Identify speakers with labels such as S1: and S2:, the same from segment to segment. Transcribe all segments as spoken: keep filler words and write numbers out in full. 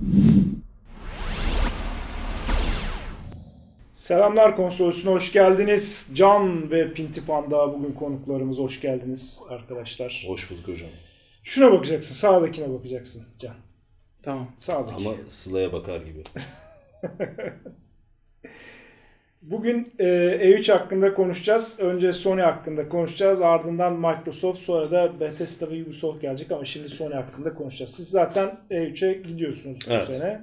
S1: Selamlar konsolosuna hoş geldiniz. Can ve Pinti Panda bugün konuklarımız, hoş geldiniz arkadaşlar.
S2: Hoş bulduk hocam.
S1: Şuna bakacaksın, sağdakine bakacaksın Can.
S3: Tamam.
S1: Sağdaki.
S2: Ama Sıla'ya bakar gibi.
S1: Bugün e, E üç hakkında konuşacağız. Önce Sony hakkında konuşacağız. Ardından Microsoft, sonra da Bethesda ve Ubisoft gelecek ama şimdi Sony hakkında konuşacağız. Siz zaten E üçe gidiyorsunuz bu
S2: Evet.
S1: sene.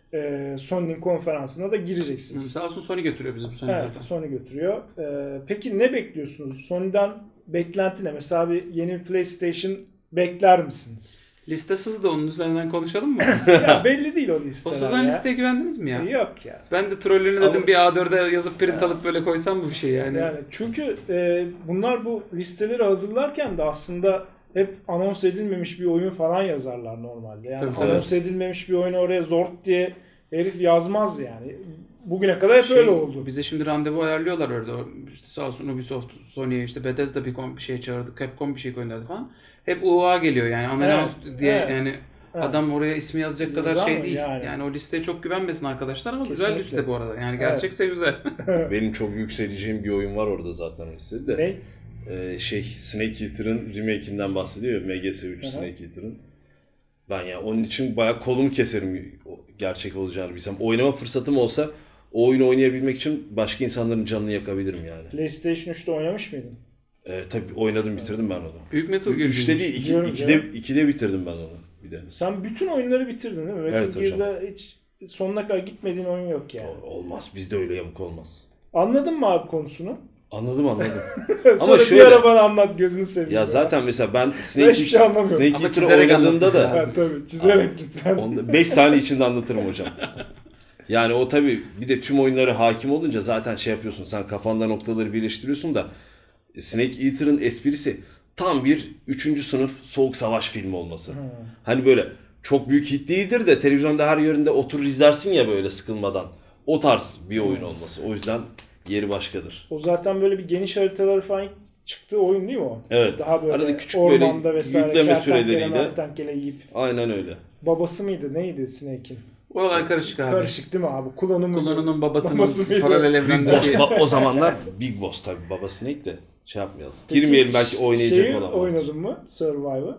S1: E, Sony'nin konferansına da gireceksiniz.
S3: Sağ olsun Sony götürüyor bizi bu sene
S1: Evet,
S3: zaten.
S1: Sony götürüyor. E, peki ne bekliyorsunuz? Sony'den beklenti ne? Mesela bir yeni bir PlayStation bekler misiniz?
S3: Liste sızdı, onun üzerinden konuşalım mı?
S1: Ya belli değil o
S3: O
S1: listeler
S3: sızan
S1: ya.
S3: listeye güvendiniz mi ya?
S1: Yok ya.
S3: Ben de trollünü dedim
S2: Ama-
S3: bir A dörde yazıp print alıp böyle koysam mı bir şey yani?
S1: Yani çünkü e, bunlar bu listeleri hazırlarken de aslında hep anons edilmemiş bir oyun falan yazarlar normalde. Yani
S3: Tabii,
S1: anons
S2: evet.
S1: edilmemiş bir oyunu oraya zort diye herif yazmaz yani. Bugüne kadar hep
S3: Şey,
S1: öyle oldu.
S3: Bize şimdi randevu ayarlıyorlar orada. İşte sağ olsun Ubisoft, Sony'ye işte Bethesda bir kom- bir şey çağırdı, Capcom bir şey gönderdi falan. Hep U A geliyor yani anons
S1: Evet,
S3: diye
S1: evet,
S3: yani
S1: evet.
S3: adam oraya ismi yazacak kadar
S1: Yazar
S3: şey
S1: mı
S3: değil.
S1: yani?
S3: Yani. o listeye çok güvenmesin arkadaşlar ama güzel
S1: Kesinlikle.
S3: liste bu arada. Yani
S1: Evet.
S3: gerçekse güzel.
S2: Benim çok yükseleceğim bir oyun var orada zaten listede de.
S1: Ne?
S2: Ee, şey Snake Eater'ın remake'inden bahsediyor ya, M G S üç
S1: Hı hı.
S2: Snake Eater'ın. Ben ya onun için bayağı kolumu keserim o- gerçek olacağını bilsem. Oynama fırsatım olsa o oyunu oynayabilmek için başka insanların canını yakabilirim yani.
S1: PlayStation üçte oynamış mıydın?
S2: Ee, tabii oynadım, bitirdim ben onu.
S3: Büyük Metal Gear
S2: üçte
S3: gibi.
S2: değil, iki,
S1: Biliyorum
S2: ikide,
S1: ya.
S2: ikide bitirdim ben onu bir de.
S1: Sen bütün oyunları bitirdin değil mi? Metal
S2: Evet hocam.
S1: Gear'da hiç sonuna kadar gitmediğin oyun yok yani.
S2: O- Olmaz, bizde öyle yamuk olmaz.
S1: Anladın mı abi konusunu?
S2: Anladım anladım.
S1: Sonra
S2: şöyle-
S1: bir ara bana anlat, gözünü seveyim.
S2: Ya zaten mesela ben Snake,
S1: hiçbir şey anlamıyorum.
S2: Snake
S3: Ama
S2: Eater
S3: çizerek
S2: oynadığımda
S3: anlatması
S2: da
S3: lazım.
S1: Ha, tabii çizerek lütfen.
S2: beş saniye içinde anlatırım hocam. Yani o tabii bir de tüm oyunlara hakim olunca zaten şey yapıyorsun, sen kafanda noktaları birleştiriyorsun da Snake Eater'ın esprisi tam bir üçüncü sınıf soğuk savaş filmi olması.
S1: Hmm.
S2: Hani böyle çok büyük hit değildir de televizyonda her yerinde oturur izlersin ya böyle sıkılmadan. O tarz bir oyun olması. O yüzden yeri başkadır.
S1: O zaten böyle bir geniş haritaları falan çıktığı oyun değil mi o?
S2: Evet.
S1: Daha böyle
S2: Arada küçük böyle
S1: ormanda vesaire
S2: yükleme
S1: kertenkele
S2: süreleriyle.
S1: mertenkele yiyip.
S2: Aynen öyle.
S1: Babası mıydı? Neydi Snake'in?
S3: Oralar karışık abi.
S1: Karışık değil mi abi? Kullanım mıydı?
S3: Kullanının babasının
S1: Babası mıydı?
S3: paralel
S2: Big Boss,
S3: evrendeki...
S2: ba- o zamanlar Big Boss tabii, babası neydi de şey yapmayalım. Girmeyelim, belki oynayacak
S1: şeyi
S2: olan.
S1: oynadın mı? Survivor'ı.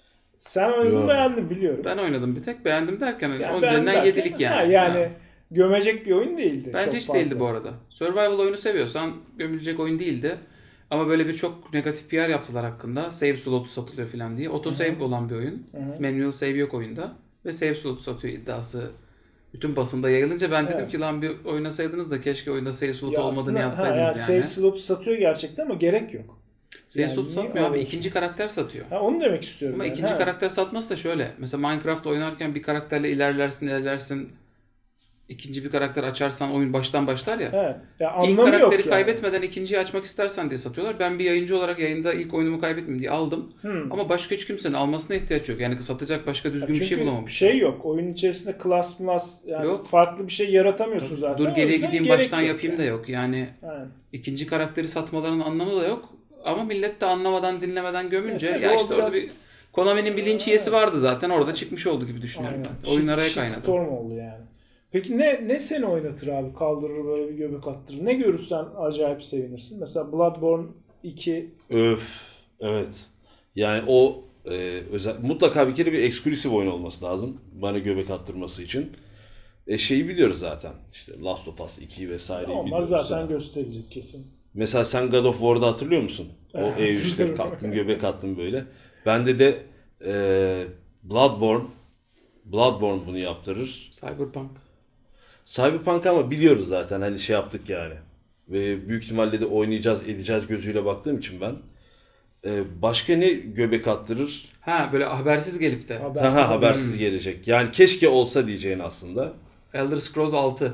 S1: Sen oynadın,
S2: Yok.
S1: beğendin biliyorum.
S3: Ben oynadım bir tek. Beğendim derken
S1: Yani
S3: onun
S1: beğendim
S3: üzerinden
S1: derken,
S3: yedilik
S1: ha,
S3: yani.
S1: yani
S3: Ha.
S1: gömecek bir oyun değildi.
S3: Bence
S1: çok
S3: hiç
S1: fazla.
S3: değildi bu arada. Survival oyunu seviyorsan gömülecek oyun değildi. Ama böyle bir çok negatif P R yaptılar hakkında. Save slotu satılıyor falan diye. Auto save olan bir oyun.
S1: Hı-hı.
S3: Manual save yok oyunda. Ve save slotu satıyor iddiası bütün basında yayılınca ben dedim
S1: Evet.
S3: ki lan bir oynasaydınız da keşke oyunda save slotu
S1: Ya
S3: olmadığını
S1: aslında, ha,
S3: yazsaydınız
S1: yani.
S3: yani.
S1: Save slotu satıyor gerçekten ama gerek yok.
S3: Save
S1: Yani
S3: slotu
S1: niye
S3: satmıyor abi.
S1: alıyorsun?
S3: İkinci karakter satıyor.
S1: Ha, onu demek istiyorum.
S3: Ama
S1: yani.
S3: ikinci
S1: Ha.
S3: karakter satması da şöyle. Mesela Minecraft oynarken bir karakterle ilerlersin ilerlersin. İkinci bir karakter açarsan oyun baştan başlar ya.
S1: Evet. Ya
S3: İlk
S1: anlamı
S3: karakteri
S1: yok yani.
S3: kaybetmeden ikinciyi açmak istersen diye satıyorlar. Ben bir yayıncı olarak yayında ilk oyunumu kaybetmeyeyim diye aldım.
S1: Hmm.
S3: Ama başka hiç kimsenin almasına ihtiyaç yok. Yani satacak başka düzgün bir
S1: Çünkü
S3: şey bulamamış.
S1: şey yok. Oyun içerisinde class plus yani
S3: Yok.
S1: farklı bir şey yaratamıyorsun zaten.
S3: Dur
S1: O
S3: geriye
S1: yüzden
S3: gideyim
S1: gerek
S3: baştan
S1: yok
S3: yapayım da
S1: yani.
S3: yok. Yani
S1: Aynen.
S3: ikinci karakteri satmalarının anlamı da yok. Ama millet de anlamadan dinlemeden gömünce
S1: Ya tabii
S3: ya
S1: o
S3: işte orada
S1: biraz-
S3: bir Konami'nin bilinç yiyesi vardı zaten. Orada çıkmış oldu gibi düşünüyorum
S1: Aynen.
S3: ben. Oyun araya
S1: Shit-
S3: kaynadı.
S1: shitstorm oldu yani. Peki ne ne seni oynatır abi? Kaldırır böyle bir göbek attırır. Ne görürsen acayip sevinirsin. Mesela Bloodborne iki
S2: Öf. Evet. Yani o e, özel, mutlaka bir kere bir eksklusif oyun olması lazım. Bana göbek attırması için. E şeyi biliyoruz zaten. İşte Last of Us iki vesaireyi
S1: onlar
S2: biliyoruz.
S1: zaten
S2: yani.
S1: gösterilecek kesin.
S2: Mesela sen God of War'da hatırlıyor musun? O
S1: Evet,
S2: E üçte
S1: hatırlıyorum.
S2: kalktın göbek attın böyle. Bende de e, Bloodborne Bloodborne bunu yaptırır.
S3: Cyberpunk.
S2: Cyberpunk ama biliyoruz zaten, hani şey yaptık yani. Ve büyük ihtimalle de oynayacağız edeceğiz gözüyle baktığım için ben. Ee, başka ne göbek attırır?
S3: Ha böyle habersiz gelip de.
S1: Habersiz,
S2: Ha, habersiz gelecek. Yani keşke olsa diyeceğin aslında.
S3: Elder Scrolls altı.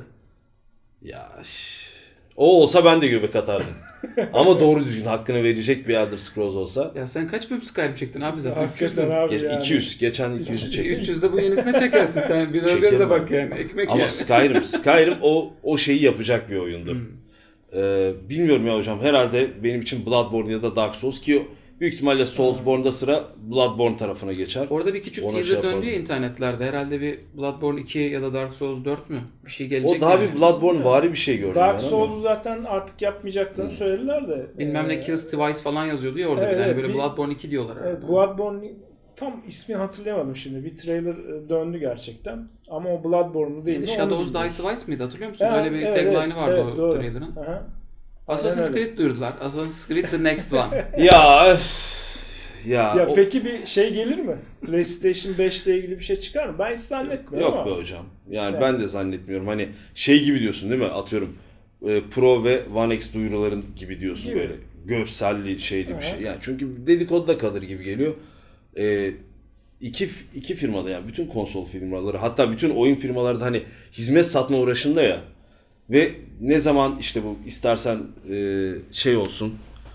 S2: Ya şş, o olsa ben de göbek atardım. Ama doğru düzgün hakkını verecek bir Elder Scrolls olsa.
S3: Ya sen kaç bölüm Skyrim çektin abi zaten?
S1: Hakikaten abi
S2: Geç,
S1: yani.
S2: iki yüz. Geçen iki yüzü çektim.
S3: üç yüzde bu yenisine çekersin sen. Bir de o
S2: Çekerim
S3: gözle
S2: abi.
S3: bak yani. Ekmek
S2: Ama
S3: yani.
S2: Skyrim, Skyrim o o şeyi yapacak bir oyundu.
S3: Hmm.
S2: Ee, bilmiyorum ya hocam. Herhalde benim için Bloodborne ya da Dark Souls, ki Büyük ihtimalle Soulsborne'da sıra Bloodborne tarafına geçer.
S3: Orada bir küçük
S2: Ona
S3: teaser
S2: şey yapalım.
S3: döndü ya internetlerde. Herhalde bir Bloodborne iki ya da Dark Souls dört mü? Bir şey gelecek
S2: O daha
S3: yani.
S2: bir Bloodborne vari bir şey gördüm
S1: Dark
S2: ben ama.
S1: Souls'u zaten artık yapmayacaklarını söylediler de.
S3: Bilmem ne
S1: Ee,
S3: Kills Twice falan yazıyordu ya orada.
S1: Evet,
S3: bir de. Hani
S1: evet,
S3: böyle
S1: bir-
S3: Bloodborne iki diyorlar herhalde.
S1: Evet, Bloodborne tam ismini hatırlayamadım şimdi. Bir trailer e, döndü gerçekten. Ama o Bloodborne'u değil.
S3: Neydi?
S1: mi,
S3: Shadows
S1: onu
S3: Die
S1: bilmiyoruz.
S3: Twice mıydı? Hatırlıyor musunuz?
S1: Ha,
S3: Öyle bir
S1: evet,
S3: tagline'ı
S1: evet,
S3: vardı
S1: evet,
S3: o
S1: doğru.
S3: trailer'ın.
S1: Aha.
S3: Assassin's
S1: öyle.
S3: Creed duyurdular. Assassin's Creed The Next One.
S2: Ya öf. Ya,
S1: Ya
S2: o-
S1: peki bir şey gelir mi? PlayStation beş ile ilgili bir şey çıkar mı? Ben hiç zannetmiyorum
S2: Yok
S1: ama.
S2: be hocam. Yani
S1: Evet.
S2: ben de zannetmiyorum. Hani şey gibi diyorsun değil mi? Atıyorum e, Pro ve One X duyuruların gibi diyorsun
S1: Gibi.
S2: böyle. Görselli şeyli
S1: Aha.
S2: bir şey. Yani çünkü dedikoduda kalır gibi geliyor. E, iki iki firmada yani bütün konsol firmaları hatta bütün oyun firmaları da hani hizmet satma uğraşında ya. Ve ne zaman işte bu istersen e, şey olsun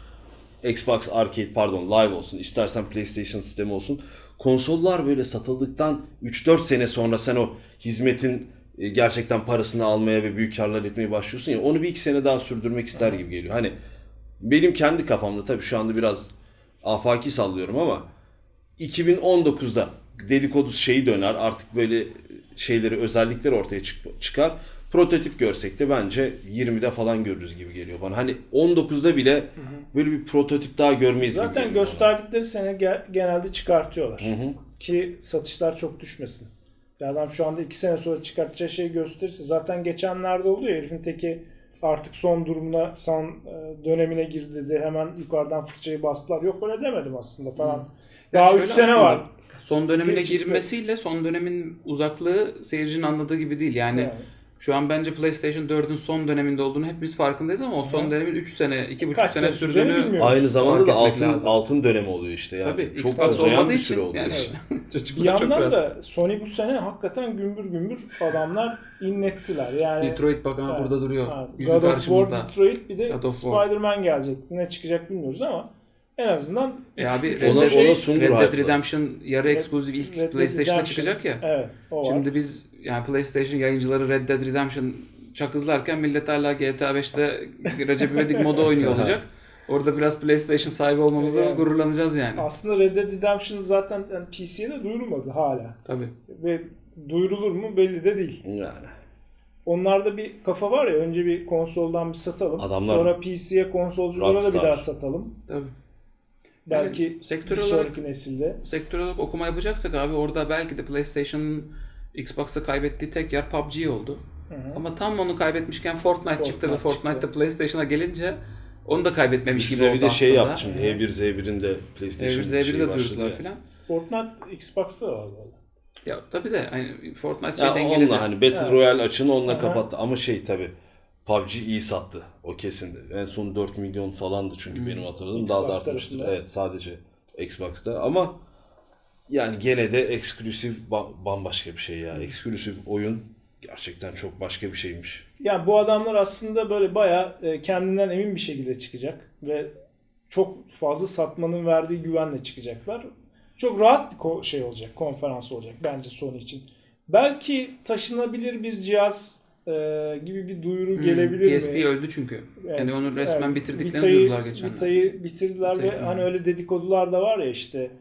S2: Xbox Arcade pardon Live olsun istersen PlayStation sistemi olsun konsollar böyle satıldıktan üç dört sene sonra sen o hizmetin e, gerçekten parasını almaya ve büyük karlar etmeye başlıyorsun ya onu bir iki sene daha sürdürmek ister gibi geliyor. Hani benim kendi kafamda tabii şu anda biraz afaki sallıyorum ama iki bin on dokuzda dedikodu şeyi döner artık böyle şeyleri özellikleri ortaya çık- çıkar. Prototip görsek de bence yirmide falan görürüz gibi geliyor bana. Hani on dokuzda bile böyle bir prototip daha görmeyiz gibi
S1: Zaten
S2: geliyor
S1: gösterdikleri sene ge- genelde çıkartıyorlar.
S2: Hı hı.
S1: Ki satışlar çok düşmesin. Ya adam şu anda iki sene sonra çıkartacağı şeyi gösterirse zaten geçenlerde oluyor. Herifin teki artık son durumuna, son e, dönemine girdi dedi. Hemen yukarıdan fırçayı bastılar. Yok öyle demedim aslında falan.
S3: Yani
S1: Daha
S3: şöyle
S1: üç sene
S3: aslında,
S1: var.
S3: Son dönemine
S1: diye çıktı.
S3: girmesiyle son dönemin uzaklığı seyircinin anladığı gibi değil. Yani
S1: Yani.
S3: şu an bence PlayStation dördün son döneminde olduğunu hepimiz farkındayız ama o son
S1: Hı.
S3: dönemin üç sene, iki buçuk
S1: Kaç
S3: sene
S1: sene süreceğini
S3: sürdüğünü
S1: bilmiyoruz.
S2: Aynı zamanda da
S3: fark etmek
S2: altın
S3: lazım.
S2: altın dönemi oluyor işte yani.
S3: Tabii
S2: çok
S3: Xbox
S2: uzayan
S3: olmadığı
S2: bir
S3: için
S2: süre oluyor.
S3: yani
S1: Bir
S3: çocuklar çok
S1: yandan
S3: rahat.
S1: da Sony bu sene hakikaten gümbür gümbür adamlar inlettiler. Yani
S3: Detroit bak ha
S1: Evet.
S3: burada duruyor.
S1: Ha,
S3: Yüzü
S1: God of War,
S3: karşımızda.
S1: Detroit bir de
S3: God of War.
S1: Spider-Man gelecek. Ne çıkacak bilmiyoruz ama en azından
S3: E abi
S1: üç-
S3: Red
S2: Ona-
S3: Dead,
S2: ona sundur
S3: Red Dead
S2: hype'ları.
S3: Redemption yarı
S1: Red-
S3: eksklusif ilk
S1: Red Dead
S3: PlayStation'da
S1: Redemption.
S3: çıkacak ya.
S1: Evet, o var.
S3: Şimdi biz yani PlayStation yayıncıları Red Dead Redemption çakızlarken millet hala G T A beşte Recep İvedik modu oynuyor olacak. Orada biraz PlayStation sahibi olmamızla
S1: Yani.
S3: gururlanacağız yani.
S1: Aslında Red Dead Redemption zaten yani P C'ye de duyurulmadı hala.
S3: Tabii.
S1: Ve duyurulur mu belli de değil.
S2: Yani.
S1: Onlarda bir kafa var ya, önce bir konsoldan bir satalım.
S2: Adamlar-
S1: Sonra P C'ye, konsolculara da bir
S2: Rockstar.
S1: daha satalım.
S3: Tabii.
S1: Belki
S3: Yani sektör
S1: bir
S3: olarak-
S1: sonraki nesilde.
S3: Sektör olarak okuma yapacaksak abi orada belki de PlayStation'ın Xbox'a kaybettiği tek yer P U B G oldu.
S1: Hı hı.
S3: Ama tam onu kaybetmişken Fortnite, çıktı ve
S1: Fortnite
S3: Fortnite'da
S1: çıktı.
S3: PlayStation'a gelince onu da kaybetmemiş gibi
S2: Üstüne
S3: oldu
S2: bir de şey
S3: aslında.
S2: yaptı şimdi. H bir Z bir'in de PlayStation
S3: Z bir'i
S2: şeyi
S3: de
S2: başladı
S3: duyurdular
S2: ya.
S3: filan.
S1: Fortnite Xbox'ta da var valla.
S3: Ya tabii de hani Fortnite şey
S2: Ya
S3: dengeledi.
S2: onunla hani Battle
S1: Evet.
S2: Royale açığını onunla
S1: Aha.
S2: kapattı ama şey tabi P U B G iyi sattı. O kesin. En son dört milyon falandı çünkü
S3: Hmm.
S2: benim hatırladığım daha da
S1: Xbox
S2: artmıştır.
S1: tarafında.
S2: Evet sadece Xbox'ta ama yani gene de eksklusif ba- bambaşka bir şey ya. Eksklusif oyun gerçekten çok başka bir şeymiş.
S1: Yani bu adamlar aslında böyle bayağı e, kendinden emin bir şekilde çıkacak ve çok fazla satmanın verdiği güvenle çıkacaklar. Çok rahat bir ko- şey olacak, konferans olacak bence Sony için. Belki taşınabilir bir cihaz e, gibi bir duyuru
S3: Hmm,
S1: gelebilir
S3: P S P
S1: mi?
S3: öldü çünkü.
S1: Evet,
S3: Yani onu resmen
S1: evet.
S3: bitirdiklerini
S1: Vita'yı-
S3: duyurdular geçen.
S1: Vita'yı bitirdiler
S3: Vita'yı,
S1: ve
S3: hmm.
S1: hani öyle dedikodular da var ya işte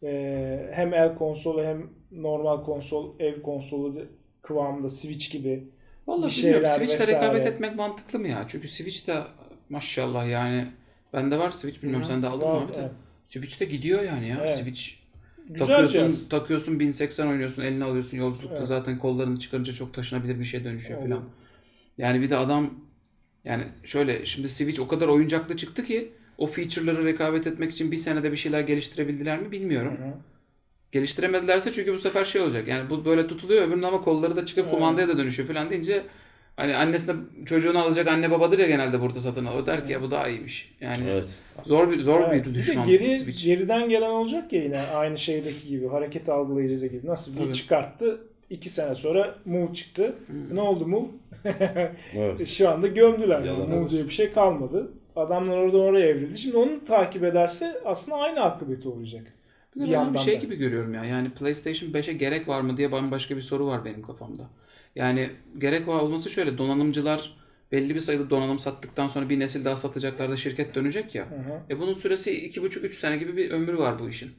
S1: e, hem el konsolu hem normal konsol, ev konsolu de- kıvamında Switch gibi.
S3: Vallahi
S1: bir
S3: bilmiyorum.
S1: şeyler
S3: Switch'le
S1: vesaire.
S3: rekabet etmek mantıklı mı ya? Çünkü Switch'te maşallah yani bende var Switch bilmiyorum
S1: Hı,
S3: sen de aldın
S1: var,
S3: mı abi de.
S1: evet.
S3: Switch'te gidiyor yani ya.
S1: Evet.
S3: Switch
S1: Güzel
S3: takıyorsun,
S1: cihaz.
S3: takıyorsun bin seksen oynuyorsun, eline alıyorsun yolculukta
S1: Evet.
S3: zaten kollarını çıkarınca çok taşınabilir bir şeye dönüşüyor
S1: Evet.
S3: filan. Yani bir de adam yani şöyle şimdi Switch o kadar oyuncaklı çıktı ki o feature'ları rekabet etmek için bir senede bir şeyler geliştirebildiler mi bilmiyorum.
S1: Hı hı.
S3: Geliştiremedilerse çünkü bu sefer şey olacak. Yani bu böyle tutuluyor öbürünün ama kolları da çıkıp
S1: Evet.
S3: kumandaya da dönüşüyor falan deyince hani annesine çocuğunu alacak anne babadır ya genelde burada satın alıyor. O der ki ya bu daha iyiymiş. Yani
S2: Evet.
S3: zor bir zor
S1: Evet.
S3: bir
S1: de
S3: düşman
S1: geri,
S3: Switch.
S1: geriden gelen olacak ya yine aynı şeydeki gibi hareket algılayıcısı gibi. Nasıl bir
S3: Tabii.
S1: çıkarttı, iki sene sonra Move çıktı. Ne oldu Move?
S2: Evet.
S1: Şu anda gömdüler.
S2: Yalan
S1: Move
S2: olsun.
S1: diye bir şey kalmadı. Adamlar oradan oraya evrildi. Şimdi onu takip ederse aslında aynı akıbeti olacak.
S3: Bir de
S1: Bir
S3: ben
S1: yandan
S3: bir şey
S1: da.
S3: gibi görüyorum ya. Yani PlayStation beşe gerek var mı diye bambaşka bir soru var benim kafamda. Yani gerek var olması şöyle donanımcılar belli bir sayıda donanım sattıktan sonra bir nesil daha satacaklar da şirket dönecek ya.
S1: Hı hı.
S3: E bunun süresi iki buçuk üç sene gibi bir ömrü var bu işin.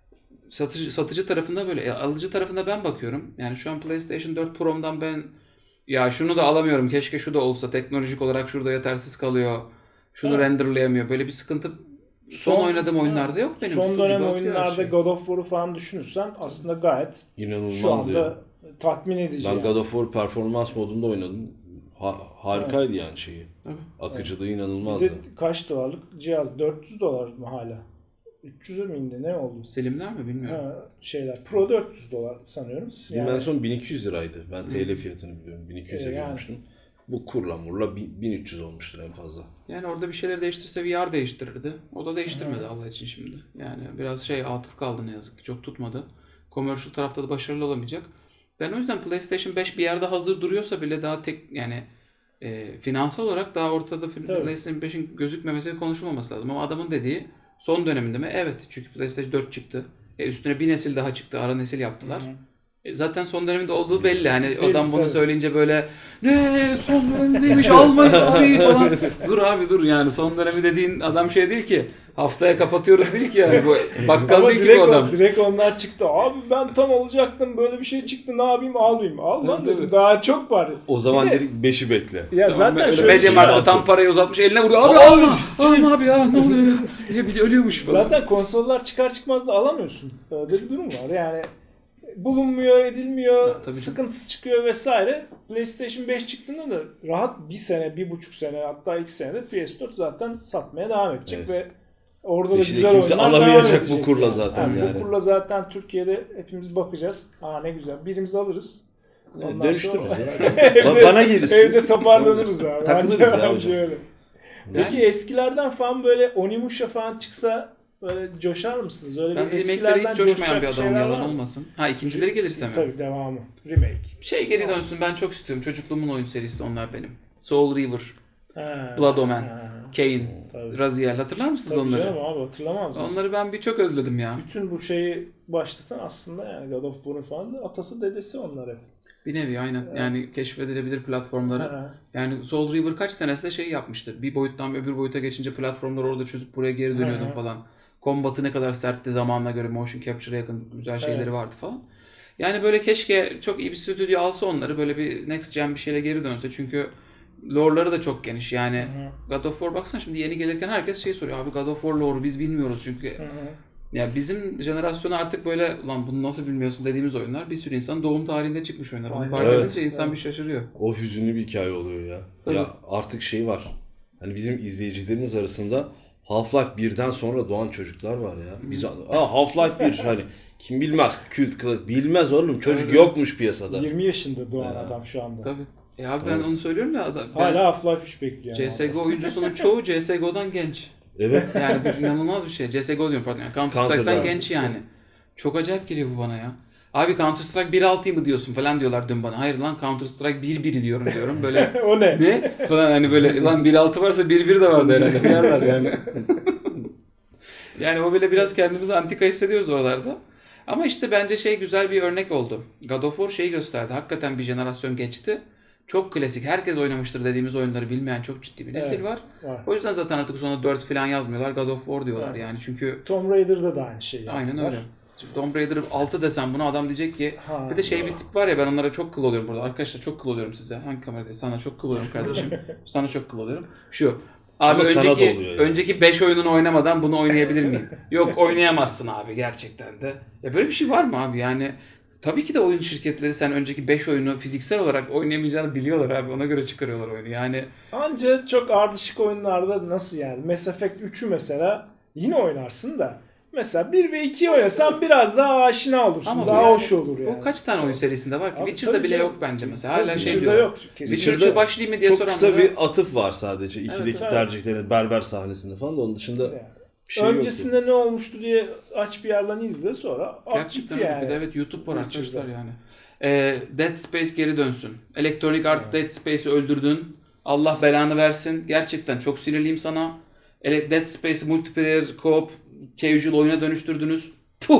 S3: Satıcı, satıcı tarafında böyle. E, alıcı tarafında ben bakıyorum. Yani şu an PlayStation dört Pro'mdan ben ya şunu da alamıyorum. Keşke şu da olsa. Teknolojik olarak şurada yetersiz kalıyor. Şunu
S1: Evet.
S3: renderlayamıyor. Böyle bir sıkıntı son,
S1: Son-
S3: oynadığım oyunlarda yok benim.
S1: Son
S3: Su
S1: dönem
S3: gibi akıyor her
S1: oyunlarda
S3: şey.
S1: God of War'u falan düşünürsen aslında gayet
S2: İnanılmaz
S1: şu anda
S2: ya.
S1: tatmin edici.
S2: Ben
S1: yani.
S2: God of War performans modunda oynadım. Ha- harikaydı yani şeyi.
S3: Tabii.
S2: Akıcılığı
S1: Bir
S2: inanılmazdı.
S1: de kaç dolarlık cihaz? dört yüz dolar mı hala? üç yüze mi indi? Ne oldu?
S3: Selimler mi bilmiyorum.
S1: Ha, şeyler. Pro dört yüz dolar sanıyorum.
S2: Steam en son bin iki yüz liraydı. Ben T L fiyatını biliyorum. bin iki yüze
S1: E, yani.
S2: görmüştüm. Bu kurla murla bin- bin üç yüz olmuştur en fazla.
S3: Yani orada bir şeyleri değiştirse V R değiştirirdi. O da değiştirmedi Allah için şimdi. Yani biraz şey atıf kaldı ne yazık ki. Çok tutmadı. Commercial tarafta da başarılı olamayacak. Ben o yüzden PlayStation beş bir yerde hazır duruyorsa bile daha tek yani e, finansal olarak daha ortada
S1: Tabii.
S3: PlayStation beşin gözükmemesi ve konuşulmaması lazım. Ama adamın dediği son döneminde mi? Evet. Çünkü PlayStation dört çıktı. E, üstüne bir nesil daha çıktı. Ara nesil yaptılar.
S1: Hı hı.
S3: E, Zaten son döneminde olduğu belli. Hani
S1: Belli,
S3: adam bunu
S1: tabii.
S3: söyleyince böyle ne son dönemindeymiş almayın abi falan. Dur abi dur yani son dönemi dediğin adam şey değil ki. Haftaya kapatıyoruz değil ki yani. Bu bakkal
S1: Ama
S3: değil ki
S1: direkt,
S3: bu
S1: o-
S3: adam.
S1: direkt onlar çıktı. Abi ben tam alacaktım. Böyle bir şey çıktı. Ne yapayım? Almayayım. Al lan
S3: Tabii,
S1: dedim.
S3: tabii.
S1: Daha çok var.
S2: O zaman
S1: Bir de-
S2: dedik beşi bekle.
S1: Ya zaten
S3: Öyle
S1: şöyle bir şey
S3: Mediamarkt'ta
S1: var.
S3: tam parayı uzatmış eline vuruyor. Abi
S2: Aa,
S3: alma.
S2: şey-
S3: Alma abi ya ne oluyor ya. Ya biri ölüyormuş falan.
S1: Zaten konsollar çıkar çıkmaz da alamıyorsun. Öyle bir durum var. Yani bulunmuyor, edilmiyor,
S3: Ya, tabii canım.
S1: sıkıntısı çıkıyor vesaire. PlayStation beş çıktığında da rahat bir sene, bir buçuk sene hatta iki senede P S dört zaten satmaya devam edecek
S2: Evet.
S1: ve orada da
S2: Beşi de
S1: güzel
S2: kimse
S1: oyunlar devam
S2: alamayacak bu
S1: edecek
S2: kurla
S1: yani.
S2: zaten
S1: Yani
S2: yani.
S1: Bu kurla zaten Türkiye'de hepimiz bakacağız. Aa ne güzel. Birimizi alırız. Ondan
S2: Dönüştürürüz
S1: sonra-
S2: ya. Ba- Bana gelirsiniz.
S1: Evde toparlanırız abi.
S2: Takılırız
S1: Bence-
S2: ya
S1: bence
S2: hocam.
S1: öyle.
S3: Yani-
S1: Peki eskilerden falan böyle Onimusha falan çıksa böyle coşar mısınız? Öyle
S3: Ben
S1: bir
S3: remake'lere
S1: eskilerden
S3: hiç coşmayan
S1: coşacak
S3: bir adamım
S1: şeyler
S3: yalan
S1: var mı?
S3: olmasın. Ha ikincileri gelirse mi?
S1: Tabii devamı. Remake.
S3: Şey geri dönsün ben çok istiyorum. Çocukluğumun oyun serisi onlar benim. Soul River,
S1: Ha,
S3: Blood Omen,
S1: ha.
S3: Kane,
S1: Tabii.
S3: Raziel hatırlar mısınız
S1: Tabii
S3: onları?
S1: canım abi hatırlamaz mısın?
S3: Onları ben bir çok özledim ya.
S1: Bütün bu şeyi başlatan aslında yani God of War'un falan da atası dedesi onlar hep.
S3: Bir nevi aynen. Yani keşfedilebilir platformları.
S1: Ha.
S3: Yani Soul River kaç senesinde şey yapmıştı. Bir boyuttan öbür boyuta geçince platformları orada çözüp buraya geri dönüyordun
S1: Hı hı.
S3: falan. Kombatı ne kadar sertti zamanına göre motion capture'a yakın güzel şeyleri
S1: Evet.
S3: vardı falan. Yani böyle keşke çok iyi bir stüdyo alsa onları böyle bir next gen bir şeyle geri dönse. Çünkü lore'ları da çok geniş. Yani
S1: Hı
S3: God of War baksana şimdi yeni gelirken herkes şey soruyor. Abi God of War lore'u biz bilmiyoruz çünkü.
S1: hı. Hı.
S3: Ya bizim jenerasyona artık böyle lan bunu nasıl bilmiyorsun dediğimiz oyunlar bir sürü insan doğum tarihinde çıkmış oyunlar. Onu
S1: Aynen.
S3: fark
S2: Evet.
S3: edince insan bir şaşırıyor.
S2: O hüzünlü bir hikaye oluyor ya.
S3: Tabii.
S2: Ya artık şey var. Hani bizim izleyicilerimiz arasında Half-Life birden sonra doğan çocuklar var ya. Biz Aa, Half-Life bir hani kim bilmez kült kılık bilmez oğlum çocuk
S3: Öyle.
S2: yokmuş piyasada.
S1: yirmi yaşında doğan
S2: Ha.
S1: adam şu anda.
S3: Tabii. E abi ben
S2: Evet.
S3: onu söylüyorum ya. adam- ben-
S1: Hala Half-Life üç bekliyor.
S3: C S G O oyuncusunun çoğu C S G O'dan genç.
S2: Evet.
S3: Yani bu inanılmaz bir şey. C S G O diyorum pardon. Yani Counter Strike'dan
S2: Counter'dan.
S3: genç yani. Çok acayip geliyor bu bana ya. Abi Counter Strike bir altı mı diyorsun falan diyorlar dün bana. Hayır lan Counter Strike bir bir diyorum diyorum. Böyle
S1: o ne?
S3: ne? Falan hani böyle lan bir altı varsa bir bir de vardı herhalde. Yerler yani. Yani o bile biraz kendimizi antika hissediyoruz oralarda. Ama işte bence şey güzel bir örnek oldu. God of War şeyi gösterdi. Hakikaten bir jenerasyon geçti. Çok klasik. Herkes oynamıştır dediğimiz oyunları bilmeyen çok ciddi bir nesil
S1: Evet.
S3: var.
S1: Var.
S3: O yüzden zaten artık sonra dört falan yazmıyorlar. God of War diyorlar
S1: Evet.
S3: yani. Çünkü
S1: Tomb Raider'da da aynı şey
S3: aynen
S1: yaptılar.
S3: öyle. Çünkü Tomb Raider altı desem buna adam diyecek ki
S1: Ha.
S3: bir de şey bir tip var ya ben onlara çok kıl oluyorum burada. Arkadaşlar çok kıl oluyorum size. Hangi kamerada? Sana çok kıl oluyorum kardeşim. Sana çok kıl oluyorum. Şu. Abi
S2: Ama sana da
S3: önceki
S2: oluyor yani.
S3: önceki beş oyununu oynamadan bunu oynayabilir miyim? Yok oynayamazsın abi gerçekten de. Ya böyle bir şey var mı abi? Yani tabii ki de oyun şirketleri sen önceki beş oyunu fiziksel olarak oynayamayacağını biliyorlar abi. Ona göre çıkarıyorlar oyunu. Yani
S1: Anca çok ardışık oyunlarda nasıl yani? Mass Effect üçü mesela yine oynarsın da. Mesela bir ve ikiyi oynasan biraz daha aşina olursun.
S3: Ama bu
S1: daha
S3: yani-
S1: hoş olur yani.
S3: bu kaç tane oyun serisinde var ki?
S1: Abi
S3: Witcher'da
S1: tabii
S3: bile
S1: canım.
S3: yok bence mesela.
S1: Tabii
S3: Hala şey
S1: Witcher'da
S3: diyor.
S1: yok. Kesinlikle.
S3: Witcher
S2: Witcher'da
S3: üçe başlayayım mı diye
S2: Çok
S3: soranlara.
S2: kısa bir atıf var sadece. İkideki
S3: Evet,
S1: evet.
S2: tercihlerin berber sahnesinde falan da onun dışında
S1: Yani.
S2: bir şey yok.
S1: Öncesinde ne olmuştu diye aç bir yerden izle sonra at
S3: Gerçekten
S1: git
S3: öyle.
S1: yani.
S3: Bir de evet YouTube var
S1: Witcher'da.
S3: arkadaşlar yani. Ee, Dead Space geri dönsün. Electronic Arts Dead Space'i öldürdün. Allah belanı versin. Gerçekten çok sinirliyim sana. Ele- Dead Space'i multiplayer, co-op, casual oyuna dönüştürdünüz. Puh!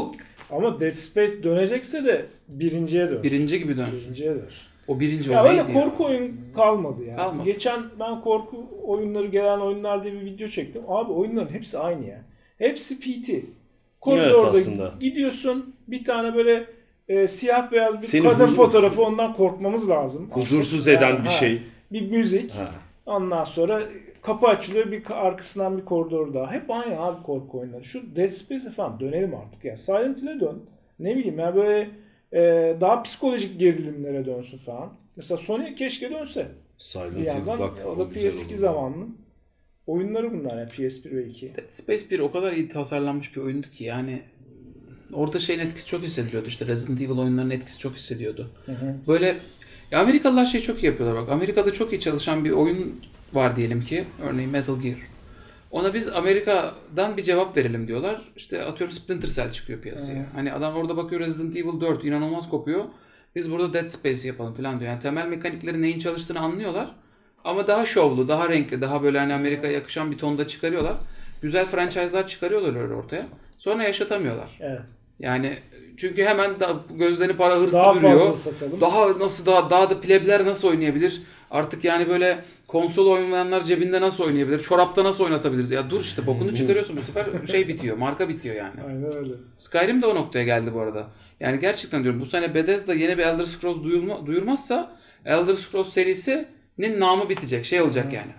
S1: Ama Dead Space dönecekse de birinciye dönsün.
S3: Birinci gibi dönsün.
S1: Birinciye dönsün.
S3: O birinci
S1: Ya
S3: o
S1: öyle
S3: neydi
S1: korku
S3: ya?
S1: oyun kalmadı yani.
S3: Kalmadı.
S1: Geçen ben korku oyunları gelen oyunlar diye bir video çektim. Abi oyunların hepsi aynı ya. Hepsi P T. Koridorda
S2: Evet, aslında.
S1: gidiyorsun bir tane böyle e, siyah beyaz bir
S2: Seni
S1: kadın
S2: huzur-
S1: fotoğrafı, ondan korkmamız lazım.
S2: Huzursuz
S1: Artık.
S2: eden
S1: Ha,
S2: bir
S1: ha.
S2: şey.
S1: Bir müzik.
S2: Ha.
S1: Ondan sonra kapı açılıyor, bir arkasından bir koridor daha. Hep aynı abi korku oyunları. Şu Dead Space'e falan dönelim artık ya. Silent Hill'e dön. Ne bileyim ya böyle e, daha psikolojik gerilimlere dönsün falan. Mesela Sony keşke dönse.
S2: Silent
S1: Bir
S2: Hill
S1: yandan
S2: bak.
S1: o da
S2: güzel
S1: P S iki
S2: olur.
S1: zamanlı oyunları bunlar ya, P S bir ve iki.
S3: Dead Space bir o kadar iyi tasarlanmış bir oyundu ki yani orada şeyin etkisi çok hissediliyordu, işte Resident Evil oyunlarının etkisi çok hissediyordu.
S1: Hı hı.
S3: Böyle ya Amerikalılar şey çok iyi yapıyorlar bak. Amerika'da çok iyi çalışan bir oyun var diyelim ki, örneğin Metal Gear. Ona biz Amerika'dan bir cevap verelim diyorlar. İşte atıyorum Splinter Cell çıkıyor piyasaya.
S1: Hı.
S3: Hani adam orada bakıyor Resident Evil dört inanılmaz kopuyor. Biz burada Dead Space yapalım falan diyor. Yani temel mekanikleri neyin çalıştığını anlıyorlar. Ama daha şovlu, daha renkli, daha böyle hani Amerika'ya yakışan bir tonda çıkarıyorlar. Güzel franchise'lar çıkarıyorlar öyle ortaya. Sonra yaşatamıyorlar.
S1: Evet.
S3: Yani çünkü hemen da gözlerini para hırsı
S1: Daha
S3: bürüyor.
S1: fazla satalım.
S3: Daha nasıl daha daha da plebler nasıl oynayabilir? Artık yani böyle konsol oynayanlar cebinde nasıl oynayabilir? Çorapta nasıl oynatabiliriz? Ya dur işte bokunu çıkarıyorsun, bu sefer şey bitiyor, marka bitiyor yani.
S1: Aynen öyle.
S3: Skyrim de o noktaya geldi bu arada. Yani gerçekten diyorum bu sene Bethesda yeni bir Elder Scrolls duyulma, duyurmazsa Elder Scrolls serisinin namı bitecek. Şey olacak yani.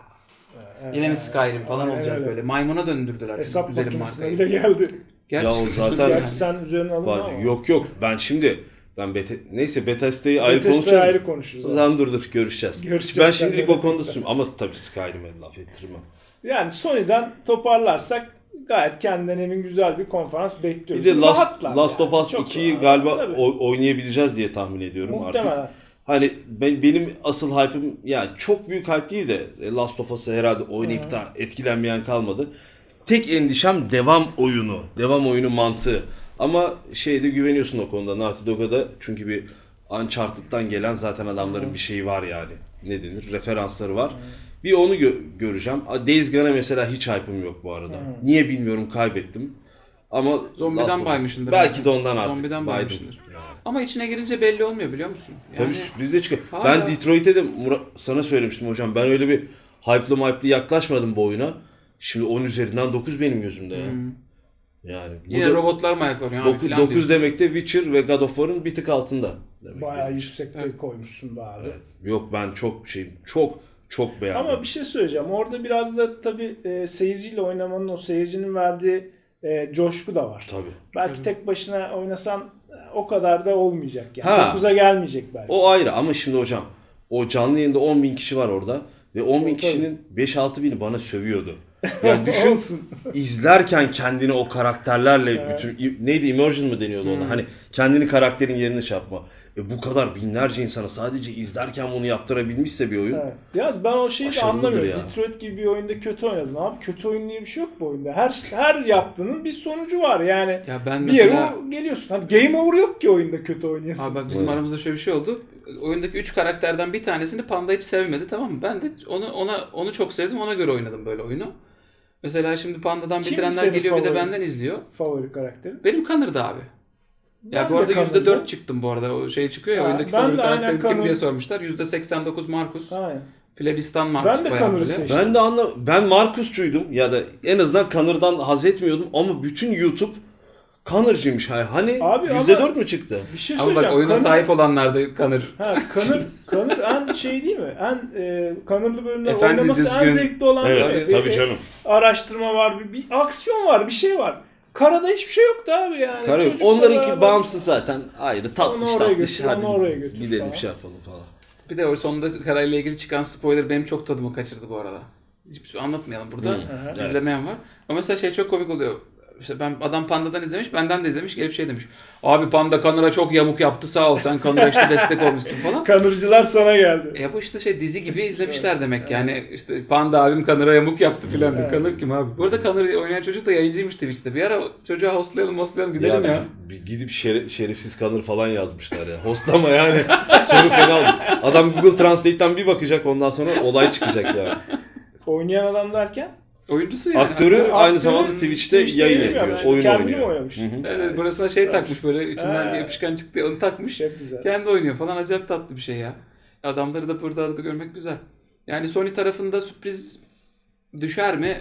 S3: Yine mi Skyrim falan
S1: Aynen
S3: olacağız
S1: öyle.
S3: böyle. Maymuna döndürdüler çünkü
S1: Hesap
S3: güzelim
S1: makinesine
S3: markayı.
S1: bile geldi.
S3: Gerçekten
S2: Ya o zaten-
S1: Gerçi sen üzerine alınma
S2: Var.
S1: ama.
S2: Yok yok ben şimdi ben Bete neyse Bethesda'yı ayrı
S1: Bethesda'yı
S2: konuşacağız.
S1: ayrı konuşuruz.
S2: O
S1: abi.
S2: zaman dur dur görüşeceğiz.
S1: Görüşeceğiz
S2: Ben
S1: seninle
S2: şimdilik o konuda
S1: Bethesda.
S2: sürüm ama tabii Skyrim'e laf ettirmem.
S1: Yani Sony'den toparlarsak gayet kendinden emin güzel bir konferans
S2: Bir
S1: bekliyoruz.
S2: de Last,
S1: Rahatlar
S2: Last
S1: yani.
S2: of Us
S1: Çok
S2: ikiyi
S1: rahat.
S2: galiba
S1: Tabii.
S2: o- oynayabileceğiz diye tahmin ediyorum artık.
S1: Muhtemelen.
S2: Hani ben, benim asıl hype'ım yani çok büyük hype değil de Last of Us'ı herhalde oynayıp da etkilenmeyen kalmadı. Tek endişem devam oyunu, devam oyunu mantığı. Ama şeyde güveniyorsun o konuda Naughty Dog'a da çünkü bir Uncharted'dan gelen zaten adamların bir şeyi var yani. Ne denir? Referansları var. Bir onu gö- göreceğim. Days Gone'a mesela hiç hype'ım yok bu arada. Niye bilmiyorum kaybettim. Ama
S3: Zombiden
S2: Last of Us-
S3: baymışsındır
S2: Belki
S3: belki.
S2: de ondan artık.
S3: Zombiden
S2: baydım.
S3: baymışsındır.
S2: Yani.
S3: Ama içine girince belli olmuyor biliyor musun? Yani
S2: Tabii sürpriz de çıkıyor.
S3: Hala-
S2: Ben Detroit'e de Murat, sana söylemiştim hocam. Ben öyle bir hype'lı hype'lı yaklaşmadım bu oyuna. Şimdi on üzerinden dokuz benim gözümde ya. Yani bu
S3: yine
S2: da
S3: robotlar mı ayaklanıyor abi
S2: dokuz,
S3: falan
S2: dokuz
S3: diyorsun.
S2: demek de Witcher ve God of War'ın bir tık altında. Demek
S1: Bayağı
S2: benim için.
S1: yüksekte koymuşsun be abi.
S2: Evet. Yok ben çok şey çok çok beğendim.
S1: Ama bir şey söyleyeceğim. Orada biraz da tabii e, seyirciyle oynamanın, o seyircinin verdiği e, coşku da var.
S2: Tabii.
S1: Belki tek başına oynasan e, o kadar da olmayacak yani.
S2: Ha.
S1: dokuza gelmeyecek belki.
S2: O ayrı ama şimdi hocam o canlı yayında on bin kişi var orada ve on bin
S1: Tabii.
S2: kişinin beş altı bini bana sövüyordu. Yani düşün
S1: Olsun.
S2: izlerken kendini o karakterlerle bütün neydi immersion mı deniyordu ona? Hani kendini karakterin yerine şey yapma. E bu kadar binlerce insana sadece izlerken bunu yaptırabilmişse bir oyun.
S1: Evet. Yalnız ben o şeyi de
S2: Başarılıdır
S1: anlamıyorum.
S2: ya.
S1: Detroit gibi bir oyunda kötü oynadın abi. Kötü oyun diye bir şey yok bu oyunda. Her her yaptığının bir sonucu var yani.
S3: Ya ben
S1: Bir yere
S3: mesela
S1: o- geliyorsun. Hani game over yok ki oyunda kötü oynayasın.
S3: abi bak bizim
S2: Evet.
S3: aramızda şöyle bir şey oldu. Oyundaki üç karakterden bir tanesini Panda hiç sevmedi, tamam mı? Ben de onu ona onu çok sevdim. Ona göre oynadım böyle oyunu. Mesela şimdi Panda'dan
S1: Kimdi
S3: bitirenler
S1: senin
S3: geliyor bir de
S1: favorin?
S3: benden izliyor.
S1: Favori karakterin.
S3: Benim Connor'dı abi. Ya
S1: Ben
S3: bu
S1: de
S3: arada yüzde
S1: Connor'da.
S3: dört çıktım bu arada. O şey çıkıyor ya
S1: Ha,
S3: oyundaki
S1: ben
S3: favori
S1: de aynen
S3: karakterin kim
S1: Connor.
S3: diye sormuşlar. yüzde seksen dokuz Marcus.
S1: Aynen.
S3: Plebistan Marcus
S1: Ben de
S3: bayağı
S1: Connor'ı
S3: böyle.
S1: seçtim.
S2: Ben de anla ben Markusçuydum ya da en azından Connor'dan haz etmiyordum ama bütün YouTube Connor'cıymış. Hani
S1: Abi
S2: yüzde
S1: ama-
S2: dört mü çıktı?
S1: Bir şey
S3: Ama
S1: söyleyeceğim.
S3: bak oyuna
S1: Connor-
S3: sahip olanlar da Connor.
S1: Ha, Connor, Connor en şey değil mi? En e, Connor'lı bölümler
S3: Efendi
S1: oynaması en
S3: düzgün.
S1: zevkli olan
S2: Evet
S1: bir-
S2: tabii
S1: bir-
S2: canım.
S1: araştırma var, bir, bir aksiyon var, bir şey var. Karada hiçbir şey yoktu abi yani.
S2: Karı,
S1: Çocukla
S2: onlarınki
S1: beraber-
S2: bağımsız zaten ayrı tatlış
S1: Onu oraya
S2: tatlış
S1: götür,
S2: hadi
S1: onu oraya götür
S2: gidelim
S1: falan.
S2: bir şey yapalım falan.
S3: Bir de o sonunda Karayla ilgili çıkan spoiler benim çok tadımı kaçırdı bu arada. Hiçbir şey anlatmayalım burada.
S2: Hı, evet.
S3: İzlemeyen var. Ama mesela şey çok komik oluyor. İşte ben adam Panda'dan izlemiş, benden de izlemiş, gelip şey demiş. Abi Panda Connor'a çok yamuk yaptı, sağ ol, sen Connor'a işte destek olmuşsun falan.
S1: Connor'cılar sana geldi.
S3: E bu işte şey dizi gibi izlemişler demek yani. İşte Panda abim Connor'a yamuk yaptı filan.
S1: Evet.
S3: Connor kim abi? Bu arada Connor'ı oynayan çocuk da yayıncıymış Twitch'te. Bir ara çocuğa hostlayalım hostlayalım gidelim ya.
S2: Ya biz bir gidip şere- şerefsiz Connor falan yazmışlar ya. Hostlama yani. Sonu fena oldu. Adam Google Translate'ten bir bakacak ondan sonra olay çıkacak yani.
S1: Oynayan adam derken?
S3: Oyuncusu yani.
S2: Aktörü
S1: Aktör-
S2: aynı
S1: aktörü
S2: zamanda Twitch'te
S1: Twitch'te
S2: yayın
S1: yayın
S2: yapıyor.
S1: yapıyor.
S2: Oyun
S1: Kendini
S2: oynuyor.
S1: oynamış.
S2: Hı hı.
S3: Evet, evet, burasına şey takmış böyle içinden
S1: Ha.
S3: bir yapışkan çıktı onu takmış.
S1: Çok güzel.
S3: Kendi oynuyor falan, acayip tatlı bir şey ya. Adamları da burada arada görmek güzel. Yani Sony tarafında sürpriz düşer mi?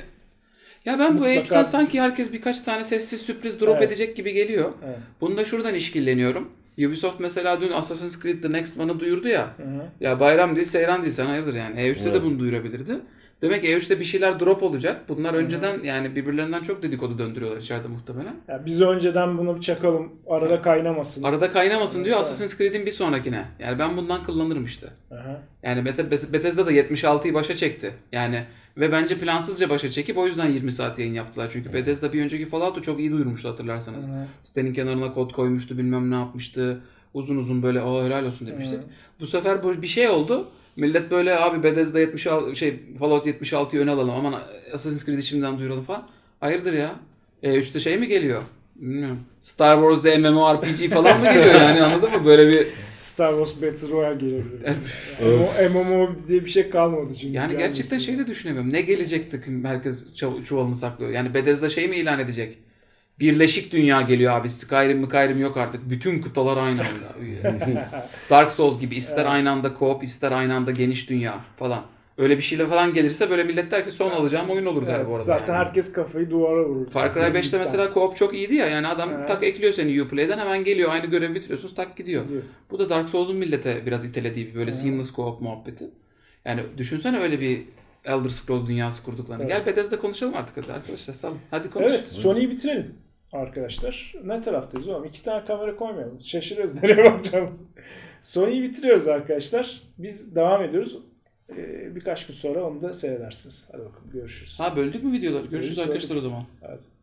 S3: Ya ben bu
S1: Mutlaka-
S3: E üç'ten sanki herkes birkaç tane sessiz sürpriz drop
S1: Evet.
S3: edecek gibi geliyor.
S1: Evet.
S3: Bunu da şuradan işkilleniyorum. Ubisoft mesela dün Assassin's Creed The Next One'ı duyurdu ya.
S1: Hı hı.
S3: Ya bayram değil, seyran değil, sen hayırdır yani. E üç'te
S2: Evet.
S3: de bunu duyurabilirdi. Demek ki E üç'te bir şeyler drop olacak. Bunlar önceden yani birbirlerinden çok dedikodu döndürüyorlar içeride muhtemelen.
S1: Ya biz önceden bunu bir çakalım. Arada kaynamasın.
S3: Arada kaynamasın diyor
S1: Evet.
S3: Assassin's Creed'in bir sonrakine. Yani ben bundan kullanırım işte.
S1: Aha.
S3: Yani Beth- Bethesda da yetmiş altıyı başa çekti. Yani ve bence plansızca başa çekip o yüzden yirmi saat yayın yaptılar. Çünkü Bethesda bir önceki Fallout'u çok iyi duyurmuştu hatırlarsanız.
S1: Hı.
S3: Sitenin kenarına kod koymuştu, bilmem ne yapmıştı. Uzun uzun böyle aa helal olsun demiştik.
S1: Hı.
S3: Bu sefer böyle bir şey oldu. Millet böyle abi Bethesda yetmiş altı şey Fallout yetmiş altıyı öne alalım. Aman Assassin's Creed'i şimdiden duyuralım falan. Hayırdır ya? E üç'te şey mi geliyor? Bilmiyorum. Star Wars'da MMORPG falan mı geliyor yani, anladın mı? Böyle bir
S1: Star Wars Battle Royale gelebilir. Yani. M M O diye bir şey kalmadı çünkü.
S3: yani
S1: gelmesin.
S3: gerçekten şey de düşünemiyorum. Ne gelecekti ki herkes çuv- çuvalını saklıyor. Yani Bethesda şey mi ilan edecek? Birleşik dünya geliyor abi. Skyrim mi Skyrim yok artık. Bütün kıtalar aynı anda. Dark Souls gibi ister
S1: Evet.
S3: aynı anda co-op ister aynı anda geniş dünya falan. Öyle bir şeyle falan gelirse böyle millet der ki son alacağım oyun olur der
S1: Evet,
S3: bu arada.
S1: zaten
S3: yani.
S1: herkes kafayı duvara vurur.
S3: Far Cry beş'te mesela co-op çok iyiydi ya. Yani adam
S1: Evet.
S3: tak ekliyor seni Uplay'den, hemen geliyor. Aynı görevi bitiriyorsunuz, tak gidiyor.
S1: Gidiyor.
S3: Bu da Dark Souls'un millete biraz itelediği bir böyle seamless co-op muhabbeti. Yani düşünsene öyle bir Elder Scrolls dünyası kurduklarını.
S1: Evet.
S3: Gel Bethesda konuşalım artık hadi arkadaşlar. Salın. Hadi konuş.
S1: Evet, Sony'yi bitirelim arkadaşlar. Ne taraftayız oğlum? İki tane kamera koymayalım. Şaşırıyoruz nereye bakacağımızı. Sony'yi bitiriyoruz arkadaşlar. Biz devam ediyoruz. Ee, birkaç gün sonra onu da seyredersiniz. Hadi bakalım görüşürüz.
S3: Ha böldük mü videoları? Görüşürüz
S1: Böldük,
S3: arkadaşlar o zaman.
S1: Hadi.